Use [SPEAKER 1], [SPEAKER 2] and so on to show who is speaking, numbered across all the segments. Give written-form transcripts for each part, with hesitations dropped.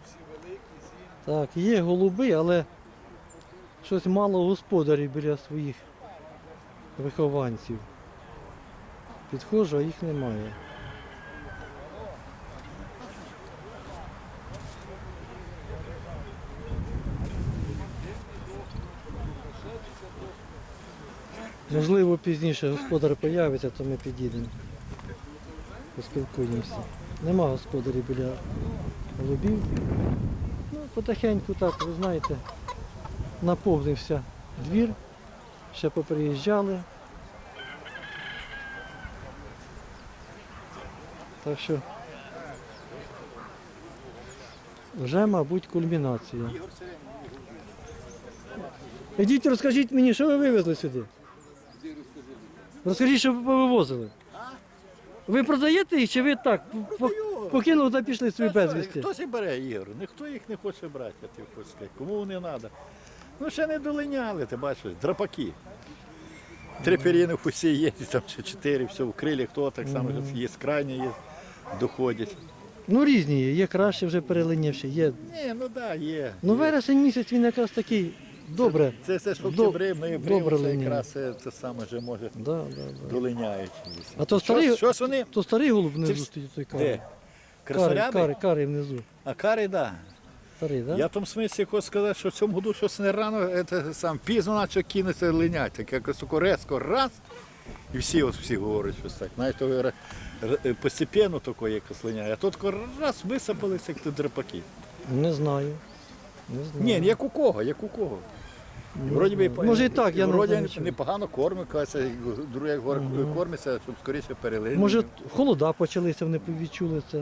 [SPEAKER 1] Так, є голуби, але щось мало господарів біля своїх вихованців. Підходжу, а їх немає. Можливо, пізніше господар появиться, то ми підійдемо. Поспілкуємося. Нема господарів біля голубів. Ну, потихеньку так, ви знаєте, наповнився двір, ще поприїжджали. Так що вже, мабуть, кульмінація. Ідіть, розкажіть мені, що ви вивезли сюди? Розкажіть, що ви вивозили. Ви продаєте їх, чи ви так покинули та пішли собі безвісти?
[SPEAKER 2] Хтось і бере, Ігор, ніхто їх не хоче брати, я тобі хочу сказати. Кому вони треба? Ну ще не долиняли, ти бачиш, драпаки. 3 пір'їни усі є, там ще 4, все в крилі, хто так само, є крайні, є, доходять.
[SPEAKER 1] Ну різні є, є краще вже перелинівші, є.
[SPEAKER 2] Ні, ну так, да, є.
[SPEAKER 1] Ну вересень місяць він якраз такий добре.
[SPEAKER 2] Це ж октябрі, ноябрі,
[SPEAKER 1] добре
[SPEAKER 2] це
[SPEAKER 1] линяє.
[SPEAKER 2] якраз це саме вже може
[SPEAKER 1] Да.
[SPEAKER 2] долиняють.
[SPEAKER 1] А то старий,
[SPEAKER 2] Щось вони,
[SPEAKER 1] то старий голуб внизу
[SPEAKER 2] Це
[SPEAKER 1] стоїть, той
[SPEAKER 2] де?
[SPEAKER 1] карий.
[SPEAKER 2] Красоряби?
[SPEAKER 1] Карий внизу.
[SPEAKER 2] А кари, так.
[SPEAKER 1] Старий, так? Да?
[SPEAKER 2] Я в тому смислі хочу сказати, що в цьому году щось не рано, пізно почав кинеться линять, так якось тако резко, раз, і всі говорять щось так. Навіть то постепенно тако якось линяє, а тут тако раз висипалися, як тут драпаки.
[SPEAKER 1] Не знаю.
[SPEAKER 2] Ні, як у кого, як у кого. І вроді би,
[SPEAKER 1] Може і так, я не
[SPEAKER 2] вроді
[SPEAKER 1] знаю нічого.
[SPEAKER 2] непогано кормить, кажеться, друге як кормиться, щоб скоріше перелинити.
[SPEAKER 1] Може холода почалися, вони відчули це.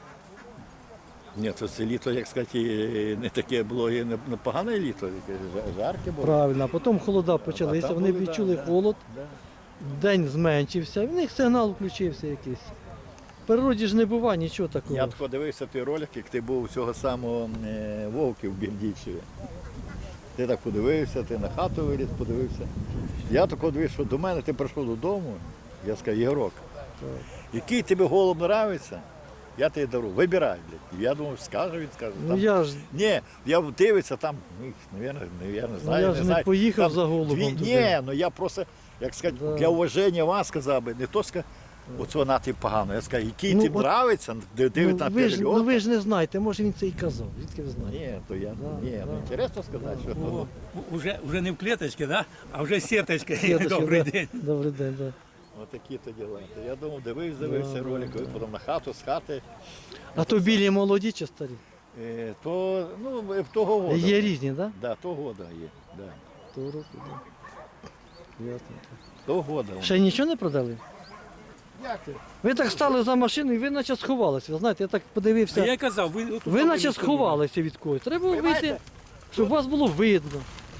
[SPEAKER 2] Ні, це літо, як сказати, не таке було, і не погане літо, жарке було.
[SPEAKER 1] Правильно, а потім холода почалися,
[SPEAKER 2] там
[SPEAKER 1] вони
[SPEAKER 2] були,
[SPEAKER 1] відчули
[SPEAKER 2] да,
[SPEAKER 1] холод,
[SPEAKER 2] да.
[SPEAKER 1] день зменшився, в них сигнал включився якийсь. В природі ж не буває нічого такого.
[SPEAKER 2] Я тако дивився той ролик, як ти був у цього самого Вовки в Бердичеві. Ти так подивився, ти на хату виліз, подивився. Я тако дивився, що до мене ти прийшов додому, я сказав, Єгорок, який тобі голуб подобається, я тобі дару, вибирай, блядь. Я думав, скаже, він скаже.
[SPEAKER 1] Ну я ж,
[SPEAKER 2] Ні, я дивився, там, я не знаю,
[SPEAKER 1] я ж не поїхав за голубом туди.
[SPEAKER 2] Ні, ну я просто, як сказати,
[SPEAKER 1] Да.
[SPEAKER 2] для уваження вас сказав би, не то сказав, оцього на ти погано. Я сказав, який
[SPEAKER 1] Ну,
[SPEAKER 2] ти
[SPEAKER 1] от-
[SPEAKER 2] нравиться, дивить на
[SPEAKER 1] ви ж
[SPEAKER 2] перельот.
[SPEAKER 1] не знаєте, може він це і казав, звідки ви знаєте?
[SPEAKER 2] Ні, то я,
[SPEAKER 1] Да,
[SPEAKER 2] ні, ну
[SPEAKER 1] да.
[SPEAKER 2] інтересно сказати, що
[SPEAKER 3] Уже не в клеточке, да? А вже сіточка.
[SPEAKER 1] Сіточка,
[SPEAKER 3] Добрий
[SPEAKER 1] да.
[SPEAKER 3] день.
[SPEAKER 1] Добрий день, так. Да.
[SPEAKER 2] отакі то діла. Я думав, дивився ролик, потім на хату, з хати,
[SPEAKER 1] А то білі молоді чи старі?
[SPEAKER 2] то, ну, того года.
[SPEAKER 1] Є різні, так? Да?
[SPEAKER 2] Да, того года є, да.
[SPEAKER 1] Того року, да. Ясно.
[SPEAKER 2] Того года.
[SPEAKER 1] Ще нічого не продали?
[SPEAKER 2] Як ти?
[SPEAKER 1] Ви так стали за машину і ви наче сховалися. Ви знаєте, я так
[SPEAKER 3] А
[SPEAKER 1] подивився.
[SPEAKER 3] я казав,
[SPEAKER 1] Ви наче сховалися від когось. Треба було вийти,
[SPEAKER 2] Понимаєте?
[SPEAKER 1] щоб вас було видно.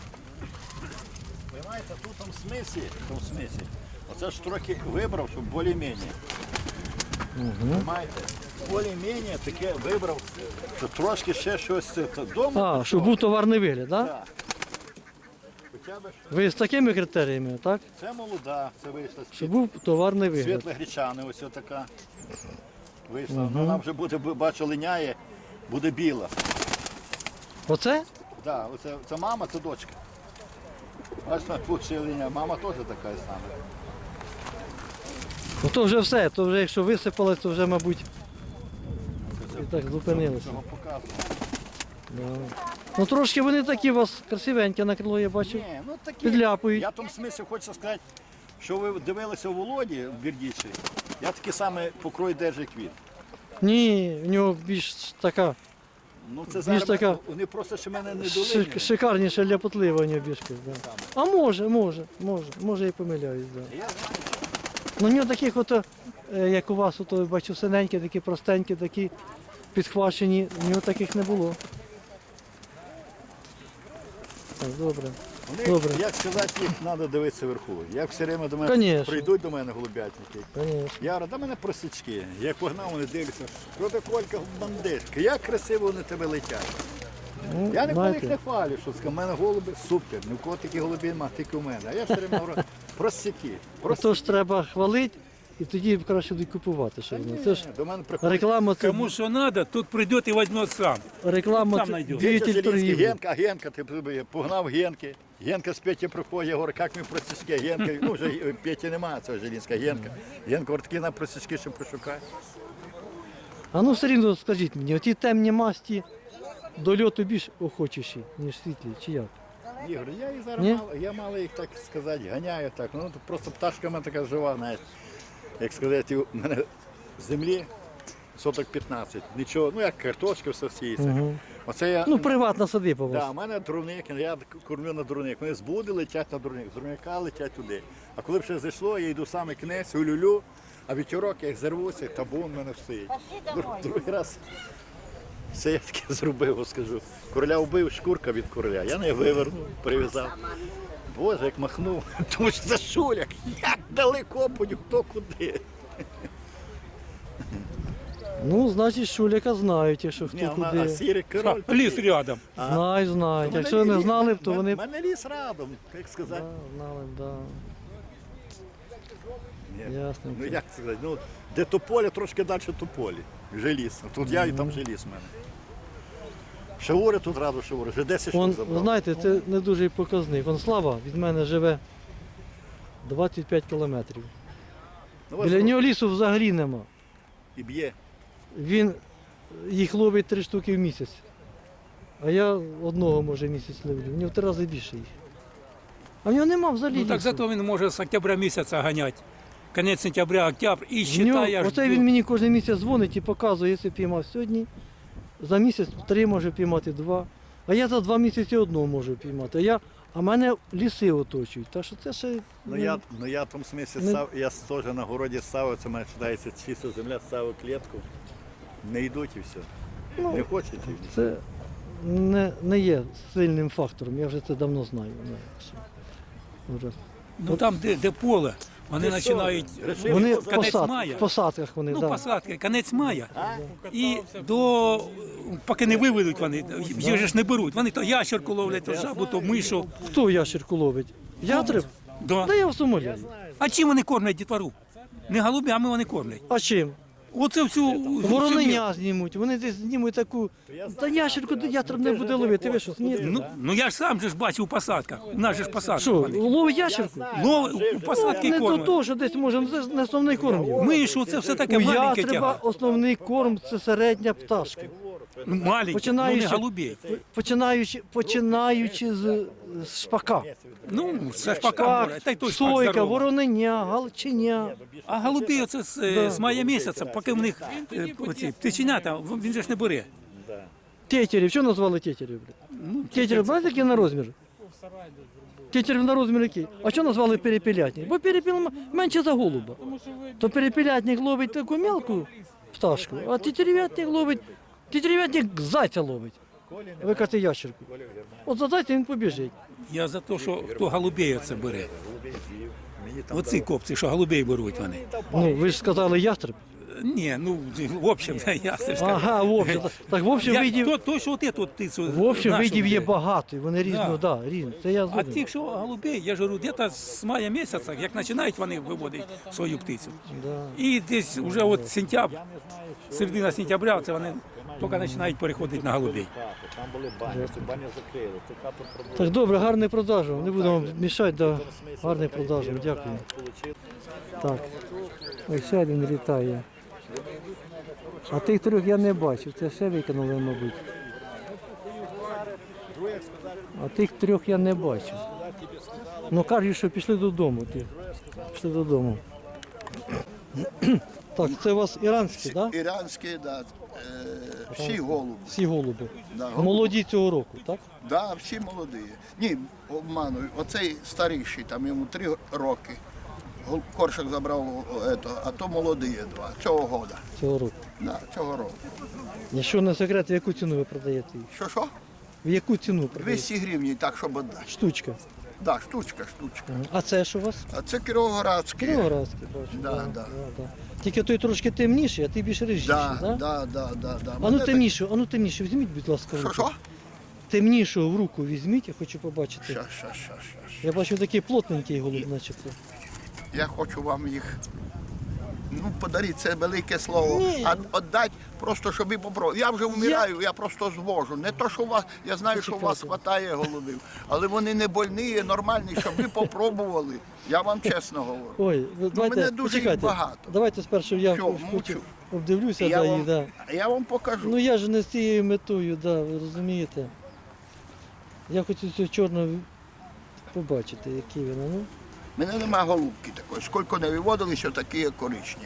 [SPEAKER 2] Понимаєте, тут в смислі, оце ж трохи вибрав, щоб більш-менш. Понимаєте? Більш-менш таке вибрав, що трошки ще щось вдома.
[SPEAKER 1] А, щоб був товарний вигляд, так? Да?
[SPEAKER 2] Так. Хоча б що.
[SPEAKER 1] Ви з такими критеріями, так?
[SPEAKER 2] Це молода, це вийшла
[SPEAKER 1] Щоб був товарний вигляд.
[SPEAKER 2] світла гречани, ось така. Вийшла. Вона вже буде, бачу, линяє, буде біла.
[SPEAKER 1] Оце?
[SPEAKER 2] Да, оце, це мама, це дочка. Бачите, тут ще линяє. Мама теж така сама.
[SPEAKER 1] Ну то вже все, то вже якщо висипалось, то вже, мабуть, і так зупинилося.
[SPEAKER 2] Цього показую.
[SPEAKER 1] Да. Ну трошки вони такі у вас красивенькі на крило, я бачу.
[SPEAKER 2] Ні, ну такі.
[SPEAKER 1] Підляпують.
[SPEAKER 2] Я в тому смислі хочу сказати, що ви дивилися у Володі в Бердичеві, я такий самий покрой держу, як він.
[SPEAKER 1] Ні, в нього більш така
[SPEAKER 2] Ну це
[SPEAKER 1] Більш
[SPEAKER 2] зараз
[SPEAKER 1] така
[SPEAKER 2] вони просто ще мене не долиняють.
[SPEAKER 1] шикарніша ляпотлива у нього бішка. Да. А може і помиляюсь. Да.
[SPEAKER 2] Я знаю,
[SPEAKER 1] Ну, у нього таких, ото, як у вас, ото, бачу, синенькі, такі простенькі, такі підхвачені, у нього таких не було. Так, добре.
[SPEAKER 2] вони,
[SPEAKER 1] Добре.
[SPEAKER 2] як сказати, їх треба дивитися вверху. Як все время до мене
[SPEAKER 1] Конечно.
[SPEAKER 2] прийдуть до мене голубятники.
[SPEAKER 1] Конечно.
[SPEAKER 2] Я говорю, да мене просічки. Я погнав, вони дивляться, що ти Колька бандишка, як красиво вони тебе летять.
[SPEAKER 1] Ну,
[SPEAKER 2] Я ніколи їх
[SPEAKER 1] знаєте,
[SPEAKER 2] не хвалю, що в мене голуби супер, ні в кого такі голуби немає, тільки у мене. А я все время говорю, просіки.
[SPEAKER 1] то ж треба хвалити і тоді краще будуть купувати. Що воно. Це ж
[SPEAKER 2] До мене приходить
[SPEAKER 1] реклама, це
[SPEAKER 3] Кому що треба, тут прийде і візьме сам.
[SPEAKER 1] реклама,
[SPEAKER 3] сам
[SPEAKER 1] це
[SPEAKER 3] найдеш.
[SPEAKER 1] двигатель
[SPEAKER 2] Зеленський,
[SPEAKER 1] торгівлі.
[SPEAKER 2] Генка, ти погнав Генки. Генка з Петі приходить, я говорю, як ми просічки, Генка, ну вже Петі немає, це Желінська, Генка. Генка говорить, такі на просічки, що пошукай.
[SPEAKER 1] А ну все рівно скажіть мені, оті темні масті до льоту більш охочіші, ніж світлі, чи як?
[SPEAKER 2] Ігор, я їх зараз
[SPEAKER 1] Ні?
[SPEAKER 2] я мало їх, так сказати, ганяю так. Ну просто пташка в мене така жива, знаєш. Як сказати, у мене з землі соток 15. Нічого, ну як картошка, все сіється.
[SPEAKER 1] Угу.
[SPEAKER 2] Оце я.
[SPEAKER 1] Ну, приватна садиба у вас.
[SPEAKER 2] Да, у мене дурник, я кормлю на дурник. Вони з буди летять на дурник, з дурника летять туди. А коли б ще зайшло, я йду саме кінець, улюлю, а вітерок, як зірвуся, табун в мене стоїть. Другий раз все я таке зробив, скажу. Короля вбив, шкурка від короля. Я не вивернув, прив'язав. Боже, як махнув, тому що за шуляк, як далеко будь хто куди.
[SPEAKER 1] Ну, значить, шуляка знають, якщо хто
[SPEAKER 2] Ні, а
[SPEAKER 1] куди.
[SPEAKER 2] сірий король.
[SPEAKER 3] Ліс рядом.
[SPEAKER 1] Знають. Якщо не знали б, то вони
[SPEAKER 2] У мене ліс радом, як сказати.
[SPEAKER 1] Да, знали, б, да.
[SPEAKER 2] Ні.
[SPEAKER 1] Ясно.
[SPEAKER 2] Ну як сказати, ну де тополя, трошки далі тополі. Вже ліс. Тут я і там вже ліс в мене. Шаури тут радо шаури, вже 10 штук
[SPEAKER 1] Он, ви
[SPEAKER 2] забрав.
[SPEAKER 1] знаєте, це не дуже показник. Он Слава від мене живе 25 кілометрів.
[SPEAKER 2] Ну, ось
[SPEAKER 1] Біля
[SPEAKER 2] тут
[SPEAKER 1] нього лісу взагалі нема.
[SPEAKER 2] і б'є.
[SPEAKER 1] Він їх ловить 3 штуки в місяць. А я одного, може, в місяць ловлю. В нього в 3 рази більше їх. А в нього нема взагалі
[SPEAKER 3] Ну так
[SPEAKER 1] лісу.
[SPEAKER 3] зато він може з октября місяця ганяти. Кінець сентября, октябрь і
[SPEAKER 1] В нього-
[SPEAKER 3] вважає аж
[SPEAKER 1] Оце
[SPEAKER 3] до-
[SPEAKER 1] він мені кожен місяць дзвонить і показує, якщо піймав сьогодні, за місяць 3 може піймати 2. А я за 2 місяці одного можу піймати. А мене ліси оточують. Так що це ще.
[SPEAKER 2] Ну я в тому смислі
[SPEAKER 1] Ну.
[SPEAKER 2] я теж на городі ставив, це мене вважається чиста земля, ставив клітку. Не йдуть і все.
[SPEAKER 1] Ну,
[SPEAKER 2] Не хочуть. і все.
[SPEAKER 1] Це не є сильним фактором, я вже це давно знаю. Вже.
[SPEAKER 3] Ну там, де поле, вони
[SPEAKER 2] Ти що?
[SPEAKER 3] починають.
[SPEAKER 2] Решив
[SPEAKER 1] Вони в
[SPEAKER 3] Кінець мая.
[SPEAKER 1] посадках вони,
[SPEAKER 3] Ну,
[SPEAKER 1] да.
[SPEAKER 3] посадки, кінець мая. І поки не виведуть вони, їх же ж не беруть. Вони то ящерку ловлять, то жабу, то мишу.
[SPEAKER 1] Хто ящерку ловить? Ястреб?
[SPEAKER 3] Да.
[SPEAKER 1] Да я в Сомалі.
[SPEAKER 3] А чим вони кормлять дітвору? Не голубями вони кормлять.
[SPEAKER 1] А чим?
[SPEAKER 3] Оце всю
[SPEAKER 1] Вороненя знімуть, вони десь знімуть таку. Та ящерку ястреб не буде ловити, ви що, ні?
[SPEAKER 3] Ну я ж сам же ж бачив у посадках. У нас же ж посадки.
[SPEAKER 1] Що,
[SPEAKER 3] вони.
[SPEAKER 1] ловить ящерку?
[SPEAKER 3] У посадки
[SPEAKER 1] Не до
[SPEAKER 3] кормлять.
[SPEAKER 1] того, що десь може, це не основний корм. його.
[SPEAKER 3] Мишу, це все таке
[SPEAKER 1] У
[SPEAKER 3] маленьке
[SPEAKER 1] ястреба
[SPEAKER 3] тяга.
[SPEAKER 1] основний корм це середня пташка.
[SPEAKER 3] Ну, маленьке, ну
[SPEAKER 1] Починаючи-
[SPEAKER 3] не голубей.
[SPEAKER 1] Починаючи з шпака.
[SPEAKER 3] Ну, це ж пока
[SPEAKER 1] Шпак,
[SPEAKER 3] море. Та й той шпак
[SPEAKER 1] сойка,
[SPEAKER 3] здоровий.
[SPEAKER 1] вороненя, галчиня.
[SPEAKER 3] А голубі оце з мая місяця, поки в них оці птиченята, він же ж не бере.
[SPEAKER 1] Тетерів, що назвали тетерів?
[SPEAKER 3] Ну,
[SPEAKER 1] Тетерів, знаєте, який на розмір? Тетерів на розмір який? А що назвали перепілятник? Бо перепіл менше за голуба. То перепілятник ловить таку мелку пташку, а тетерівятник ловить, тетерівятник зайця ловить. Ви кажете ящерку. От за зайця він побіжить.
[SPEAKER 3] Я за те, що хто голубей оце бере.
[SPEAKER 2] Мені там
[SPEAKER 3] Оці копці, що голубей беруть вони.
[SPEAKER 1] Ну, ви ж сказали ястреб.
[SPEAKER 3] Ні, ну, в общем, я все ж кажу.
[SPEAKER 1] Ага, в общем. Так в общем видів,
[SPEAKER 3] То, що от тут птицю.
[SPEAKER 1] в общем
[SPEAKER 3] нашу
[SPEAKER 1] видів є
[SPEAKER 3] бере.
[SPEAKER 1] багато, і вони різно, да, різно. Це я
[SPEAKER 3] А
[SPEAKER 1] згоден.
[SPEAKER 3] тих, що голубей, я ж говорю, десь з мая місяця, як починають вони виводити свою птицю.
[SPEAKER 1] Да.
[SPEAKER 3] І десь вже от сентябрь, середина сентября, це вони тільки починають переходити на голубей.
[SPEAKER 2] там були бані, цю баню закрили, цю хату пробили.
[SPEAKER 1] Так, добре, гарний продажу. Не будемо мішати, да. Гарний продажу, дякую. Так, ось ще один літає. А тих трьох я не бачив, це ще викинули, мабуть. А тих трьох я не бачив. Ну кажуть, що пішли додому. Пішли додому. Так, це у вас іранські, так? Да?
[SPEAKER 4] Іранські, да, всі голуби.
[SPEAKER 1] Всі голуби.
[SPEAKER 4] Да, голуби.
[SPEAKER 1] Молоді цього року, так?
[SPEAKER 4] Да, всі молоді. Ні, обманую. Оцей старіший, там йому 3 роки. Коршак забрав, а то молоді 2. Цього года.
[SPEAKER 1] Цього року.
[SPEAKER 4] Да, цього року.
[SPEAKER 1] Якщо не секрет, в яку ціну ви продаєте їх?
[SPEAKER 4] Що?
[SPEAKER 1] В яку ціну продаєте?
[SPEAKER 4] 200 гривень, так, щоб віддати.
[SPEAKER 1] Штучка.
[SPEAKER 4] Да, штучка.
[SPEAKER 1] А це що у вас?
[SPEAKER 4] А це кіровоградські.
[SPEAKER 1] Кіровоградський, бачу.
[SPEAKER 4] Да.
[SPEAKER 1] Тільки той трошки темніший, а ти більш рижіший,
[SPEAKER 4] Да.
[SPEAKER 1] да? А ну
[SPEAKER 4] Мене
[SPEAKER 1] темнішого, візьміть, будь ласка, в
[SPEAKER 4] Що,
[SPEAKER 1] руку.
[SPEAKER 4] що?
[SPEAKER 1] Темнішого в руку візьміть, я хочу побачити.
[SPEAKER 4] Щас.
[SPEAKER 1] Я бачу такий плотненький голуб, начебто.
[SPEAKER 4] Я хочу вам їх Ну, подаріть, це велике слово.
[SPEAKER 1] Ні.
[SPEAKER 4] А віддати просто, щоб і попробувати. Я вже вмираю, я просто звожу. Не то, що у вас, я знаю, що у вас вистачає голубів, але вони не больні, нормальні, щоб ви попробували. Я вам чесно говорю.
[SPEAKER 1] Ой, давайте,
[SPEAKER 4] мене дуже їх
[SPEAKER 1] почекайте.
[SPEAKER 4] багато.
[SPEAKER 1] Давайте спершу я
[SPEAKER 4] Що,
[SPEAKER 1] хочу
[SPEAKER 4] мовчу.
[SPEAKER 1] обдивлюся,
[SPEAKER 4] Я
[SPEAKER 1] да,
[SPEAKER 4] вам,
[SPEAKER 1] їх, да.
[SPEAKER 4] я вам покажу.
[SPEAKER 1] Ну я ж не з цією метою, да, ви розумієте. Я хочу цю чорну побачити, які вони. Ну.
[SPEAKER 4] У мене немає голубки такої. Скільки не виводили, що такі коричневі.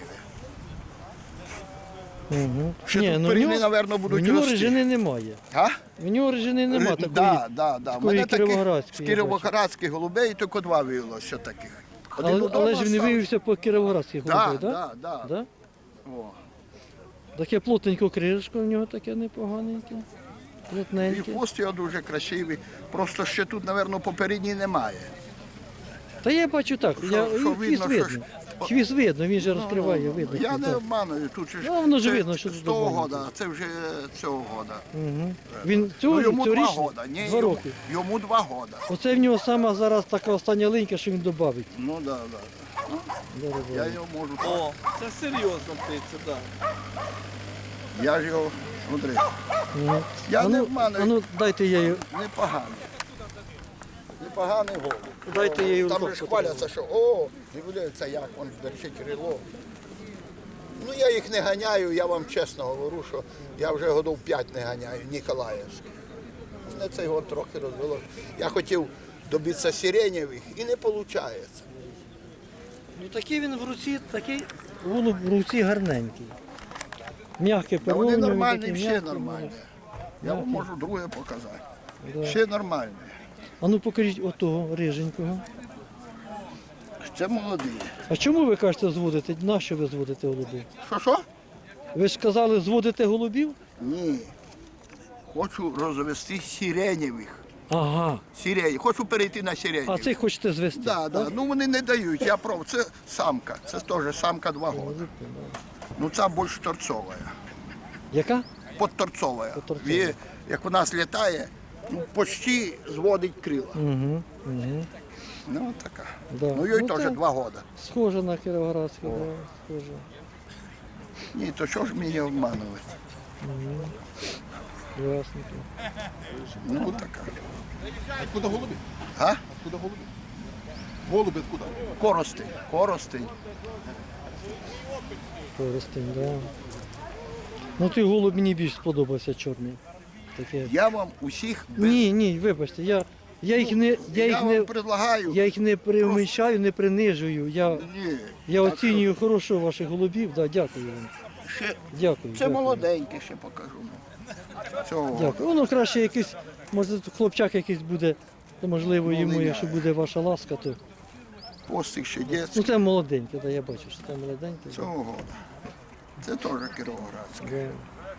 [SPEAKER 1] Угу.
[SPEAKER 4] Ще тут періни, напевно, будуть
[SPEAKER 1] в нього
[SPEAKER 4] рости.
[SPEAKER 1] режини немає.
[SPEAKER 4] А?
[SPEAKER 1] В нього режини немає такої.
[SPEAKER 4] Да. У
[SPEAKER 1] такої
[SPEAKER 4] мене таких з
[SPEAKER 1] кіровоградської, я
[SPEAKER 4] кіровоградських голубей тільки два виявилося таких. Один
[SPEAKER 1] Але
[SPEAKER 4] удома
[SPEAKER 1] ж він не
[SPEAKER 4] став.
[SPEAKER 1] виявився по кіровоградських голубах,
[SPEAKER 4] Да,
[SPEAKER 1] так?
[SPEAKER 4] да.
[SPEAKER 1] Да?
[SPEAKER 4] О.
[SPEAKER 1] Таке плотненько кришко в нього таке непоганеньке.
[SPEAKER 4] І
[SPEAKER 1] Плотненьке.
[SPEAKER 4] хвост його дуже красивий. Просто ще тут, напевно, попередній немає.
[SPEAKER 1] Та я бачу так,
[SPEAKER 4] Що
[SPEAKER 1] хвіст
[SPEAKER 4] видно, що
[SPEAKER 1] видно.
[SPEAKER 4] ж-
[SPEAKER 1] Хвіст видно, він же розкриває, видно.
[SPEAKER 4] Я
[SPEAKER 1] хвіст,
[SPEAKER 4] не
[SPEAKER 1] так.
[SPEAKER 4] обманую, тут же ж
[SPEAKER 1] Ну, воно ж
[SPEAKER 4] це
[SPEAKER 1] видно, що
[SPEAKER 4] з
[SPEAKER 1] тут
[SPEAKER 4] того
[SPEAKER 1] обманюється.
[SPEAKER 4] года, це вже цього года.
[SPEAKER 1] Угу. Він
[SPEAKER 4] Ну,
[SPEAKER 1] цього
[SPEAKER 4] йому 2
[SPEAKER 1] цьогорічний?
[SPEAKER 4] года. Ні,
[SPEAKER 1] 2 роки.
[SPEAKER 4] Йому 2 года.
[SPEAKER 1] Оце в нього сама зараз така остання линька, що він додавить.
[SPEAKER 4] Ну да. Я його можу.
[SPEAKER 5] О, це серйозно птиця, так.
[SPEAKER 4] Я ж його смотри.
[SPEAKER 1] Угу.
[SPEAKER 4] Я не обманую.
[SPEAKER 1] А ну дайте я її.
[SPEAKER 4] Непоганий. Непоганий голуб.
[SPEAKER 1] Дайте я її в
[SPEAKER 4] Там
[SPEAKER 1] руках
[SPEAKER 4] же ж хваляться, що о, дивляться, як він держить крило. Ну я їх не ганяю, я вам чесно говорю, що я вже годів 5 не ганяю, Ніколаївських. Мене цей год трохи розвело. Я хотів добитися сиренєвих і не виходить.
[SPEAKER 1] Ну такий він в руці, такий голуб в руці гарненький. М'який
[SPEAKER 4] Та вони
[SPEAKER 1] переломний,
[SPEAKER 4] нормальні,
[SPEAKER 1] такий
[SPEAKER 4] всі
[SPEAKER 1] м'який,
[SPEAKER 4] нормальні. Я вам можу друге показати.
[SPEAKER 1] Да.
[SPEAKER 4] Всі нормальні.
[SPEAKER 1] А ну покажіть отого риженького.
[SPEAKER 4] Це молоді.
[SPEAKER 1] А чому ви кажете зводите? Нащо ви зводите голубів?
[SPEAKER 4] Що?
[SPEAKER 1] Ви ж сказали, зводите голубів?
[SPEAKER 4] Ні. Хочу розвести сиренєвих.
[SPEAKER 1] Ага.
[SPEAKER 4] Хочу перейти на сиренєвих.
[SPEAKER 1] А цих хочете звести?
[SPEAKER 4] Да. Ну вони не дають, я прав. Це самка. Це теж самка 2 роки. Ну ця більш торцова.
[SPEAKER 1] Яка?
[SPEAKER 4] Подторцова.
[SPEAKER 1] Подторцова.
[SPEAKER 4] Як у нас літає, ну почти зводить крила.
[SPEAKER 1] Угу. Угу.
[SPEAKER 4] Ну така.
[SPEAKER 1] Да.
[SPEAKER 4] Ну їй
[SPEAKER 1] Ну,
[SPEAKER 4] теж
[SPEAKER 1] так.
[SPEAKER 4] 2 роки.
[SPEAKER 1] Схоже на Кіровоградську, да, схоже.
[SPEAKER 4] Ні, то що ж мені обманувати?
[SPEAKER 1] Ясненько.
[SPEAKER 4] Ну така.
[SPEAKER 5] Откуда голуби?
[SPEAKER 4] А?
[SPEAKER 5] Откуда голуби? Голуби откуда?
[SPEAKER 4] Коростень.
[SPEAKER 1] Користень, да. Ну той голуб мені більш сподобався чорний. Таке.
[SPEAKER 4] Я вам усіх без...
[SPEAKER 1] Ні, вибачте, я їх не,
[SPEAKER 4] вам предлагаю.
[SPEAKER 1] я їх не преуменьшаю, не принижую.
[SPEAKER 4] Ні.
[SPEAKER 1] Я
[SPEAKER 4] Так
[SPEAKER 1] оцінюю хорошо ваших голубів, да, дякую вам.
[SPEAKER 4] Ще...
[SPEAKER 1] Дякую.
[SPEAKER 4] Це
[SPEAKER 1] дякую.
[SPEAKER 4] молоденьке ще покажу. Цього.
[SPEAKER 1] Дякую. Воно краще якийсь, може хлопчак якийсь буде, то можливо йому,
[SPEAKER 4] Молодець.
[SPEAKER 1] якщо буде ваша ласка, то.
[SPEAKER 4] Постик ще
[SPEAKER 1] Ну
[SPEAKER 4] дітський.
[SPEAKER 1] це молоденьке, да, я бачу, що це молоденьке. Да.
[SPEAKER 4] Цього года. Це теж Кіровоградське.
[SPEAKER 1] Да.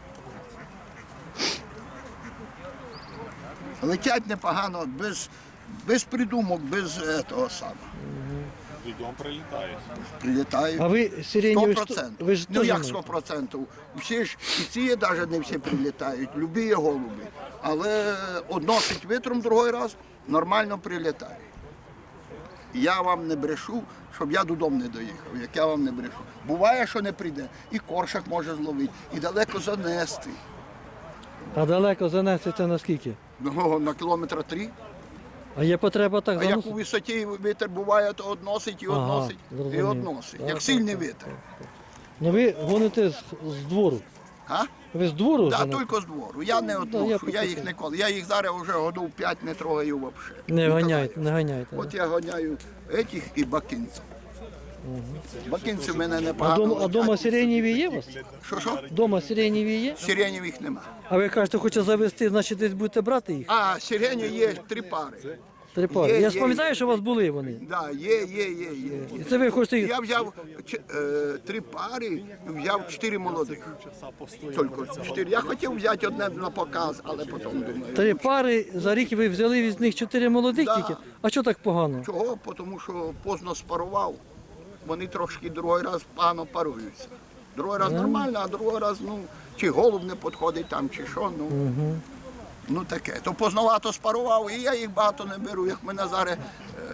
[SPEAKER 4] Летять непогано, без придумок, без того самого.
[SPEAKER 5] Дом прилітає.
[SPEAKER 4] Прилітають.
[SPEAKER 1] А ви сиренєві,
[SPEAKER 4] 100%.
[SPEAKER 1] ви ж
[SPEAKER 4] Ну
[SPEAKER 1] теж
[SPEAKER 4] як
[SPEAKER 1] маєте?
[SPEAKER 4] 100%? Всі ж і ці навіть не всі прилітають, любі є голуби. Але односить вітром другий раз, нормально прилітає. Я вам не брешу, щоб я додому не доїхав, як я вам не брешу. Буває, що не прийде, і коршак може зловити, і далеко занести.
[SPEAKER 1] А далеко занести це наскільки?
[SPEAKER 4] Ну, на кілометра 3.
[SPEAKER 1] А є потреба так
[SPEAKER 4] А як у
[SPEAKER 1] заносити?
[SPEAKER 4] висоті вітер буває, то односить і
[SPEAKER 1] Ага,
[SPEAKER 4] односить, і
[SPEAKER 1] зрозумів.
[SPEAKER 4] односить.
[SPEAKER 1] Так,
[SPEAKER 4] Як
[SPEAKER 1] так,
[SPEAKER 4] сильний
[SPEAKER 1] так,
[SPEAKER 4] вітер.
[SPEAKER 1] Ну ви гоните з двору.
[SPEAKER 4] А?
[SPEAKER 1] Ви з двору?
[SPEAKER 4] Так,
[SPEAKER 1] женете?
[SPEAKER 4] тільки з двору. Я не
[SPEAKER 1] я
[SPEAKER 4] одношу, я
[SPEAKER 1] почув.
[SPEAKER 4] їх ніколи. Я їх зараз вже годів 5 не трогаю взагалі.
[SPEAKER 1] Не ганяйте, не ганяйте.
[SPEAKER 4] От я ганяю етих і бакинців. Бакинці в мене
[SPEAKER 1] А
[SPEAKER 4] непогано.
[SPEAKER 1] дома
[SPEAKER 4] летять.
[SPEAKER 1] сиренєві є у вас?
[SPEAKER 4] Що?
[SPEAKER 1] Дома сиренєві є?
[SPEAKER 4] Сиренєвих нема.
[SPEAKER 1] А ви кажете, хоче завести, значить десь будете брати їх?
[SPEAKER 4] А, сирені є 3 пари.
[SPEAKER 1] 3 пари.
[SPEAKER 4] Є,
[SPEAKER 1] Я
[SPEAKER 4] є,
[SPEAKER 1] пам'ятаю,
[SPEAKER 4] є.
[SPEAKER 1] що у вас були вони.
[SPEAKER 4] Да, є.
[SPEAKER 1] І це ви хочете їх.
[SPEAKER 4] Я взяв 3 пари, взяв 4 молодих. Тільки 4. Я хотів взяти одне на показ, але потім думаю.
[SPEAKER 1] 3 пари за рік ви взяли з них 4 молодих
[SPEAKER 4] Да.
[SPEAKER 1] тільки. А що так погано?
[SPEAKER 4] Чого? Тому що поздно спарував. Вони трошки другий раз погано паруються. Другий раз нормально, а другий раз, ну, чи голуб не підходить там, чи що, ну. Ну таке. То поздновато спарував, і я їх багато не беру. Як мене зараз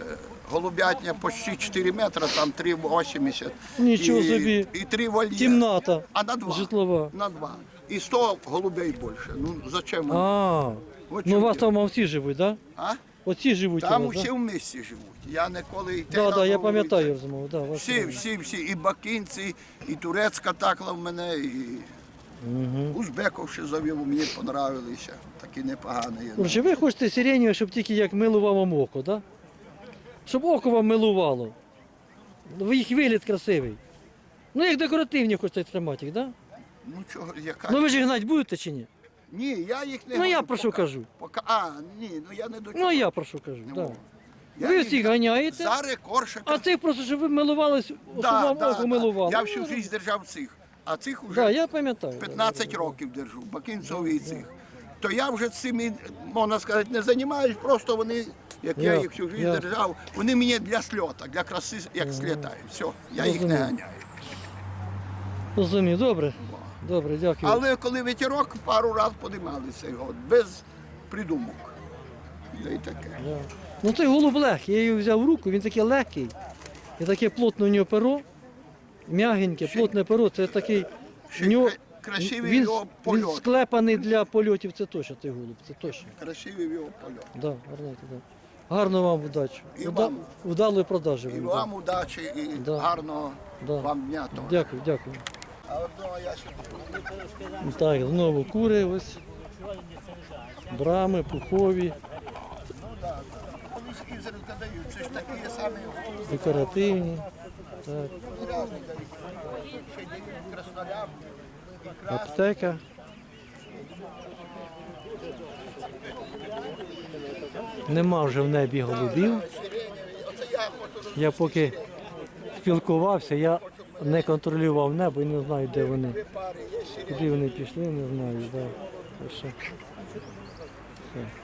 [SPEAKER 4] голубятня почти 4 метри, там 3,80.
[SPEAKER 1] Нічого
[SPEAKER 4] І-
[SPEAKER 1] собі.
[SPEAKER 4] І 3 вольєри.
[SPEAKER 1] Кімната
[SPEAKER 4] А на 2.
[SPEAKER 1] житлова.
[SPEAKER 4] На 2. І 100 голубей більше. Ну, зачем? вони?
[SPEAKER 1] А,
[SPEAKER 4] От
[SPEAKER 1] ну у вас
[SPEAKER 4] чому
[SPEAKER 1] там всі живуть, так? Да?
[SPEAKER 4] А?
[SPEAKER 1] Оці живуть у
[SPEAKER 4] Там
[SPEAKER 1] вас,
[SPEAKER 4] усі
[SPEAKER 1] да?
[SPEAKER 4] в місті живуть. Я ніколи йти
[SPEAKER 1] Да,
[SPEAKER 4] на
[SPEAKER 1] да, я
[SPEAKER 4] вулицю.
[SPEAKER 1] пам'ятаю розмову, да, вас
[SPEAKER 4] Всі, і бакинці, і турецька такла в мене, і узбеков ще завів, мені понравилися. Такі непогані.
[SPEAKER 1] Короче, ви хочете сиреневе, щоб тільки як милував вам око, так? Да? Щоб око вам милувало. Їх вигляд красивий. Ну, як декоративні хочете тримати їх, так? Да?
[SPEAKER 4] Ну чого, яка?
[SPEAKER 1] Ну ви ж їх гнати будете чи ні?
[SPEAKER 4] Ні, я їх не
[SPEAKER 1] Ну, я
[SPEAKER 4] гоню
[SPEAKER 1] про що
[SPEAKER 4] поки.
[SPEAKER 1] кажу.
[SPEAKER 4] Ні, ну я не до
[SPEAKER 1] Ну,
[SPEAKER 4] чого.
[SPEAKER 1] а я про що кажу,
[SPEAKER 4] Не
[SPEAKER 1] да.
[SPEAKER 4] можу. Я
[SPEAKER 1] Ви
[SPEAKER 4] їх
[SPEAKER 1] всіх ганяєте,
[SPEAKER 4] Зараз коршака.
[SPEAKER 1] а цих просто, щоб ви милувались, щоб вам око милувало.
[SPEAKER 4] Я
[SPEAKER 1] Ну,
[SPEAKER 4] всю життя держав цих, а цих вже
[SPEAKER 1] Да, я пам'ятаю.
[SPEAKER 4] 15 років держу, бакинців і цих. То я вже цими, можна сказати, не займаюсь, просто вони, як я
[SPEAKER 1] Я-
[SPEAKER 4] їх всю життя
[SPEAKER 1] я-
[SPEAKER 4] держав, вони мені для сльота, для краси, як слітають. Все, я їх не
[SPEAKER 1] Розумію.
[SPEAKER 4] ганяю.
[SPEAKER 1] Розумію, добре. Добре, дякую.
[SPEAKER 4] Але коли ветерок, пару разів подималися його, без придумок. Да і таке.
[SPEAKER 1] Да. Ну той голуб легкий, я його взяв в руку, він такий легкий. І таке плотне у нього перо, м'ягеньке, плотне перо, це такий.
[SPEAKER 4] Ще
[SPEAKER 1] в нього,
[SPEAKER 4] красивий його
[SPEAKER 1] він
[SPEAKER 4] польот.
[SPEAKER 1] склепаний для польотів, це точно той голуб, це точно.
[SPEAKER 4] Красивий його польот.
[SPEAKER 1] Да, гарненький, да. Гарно вам удачі.
[SPEAKER 4] І вам.
[SPEAKER 1] Вдалої продажі
[SPEAKER 4] І
[SPEAKER 1] вам.
[SPEAKER 4] вам удачі, і
[SPEAKER 1] Да.
[SPEAKER 4] гарного
[SPEAKER 1] Да.
[SPEAKER 4] вам дня. теж.
[SPEAKER 1] Дякую, дякую.
[SPEAKER 4] А одного я сюди.
[SPEAKER 1] Так, знову кури ось. Брами, пухові,
[SPEAKER 4] Вони з Ізраїля дають, це ж такі самі
[SPEAKER 1] декоративні. Так,
[SPEAKER 4] різні дають. Ще дають краснолям.
[SPEAKER 1] аптека. Нема вже в небі голубів. Я поки спілкувався, я не контролював небо і не знаю, де вони. Куди вони пішли, не знаю. Да. Так що, все.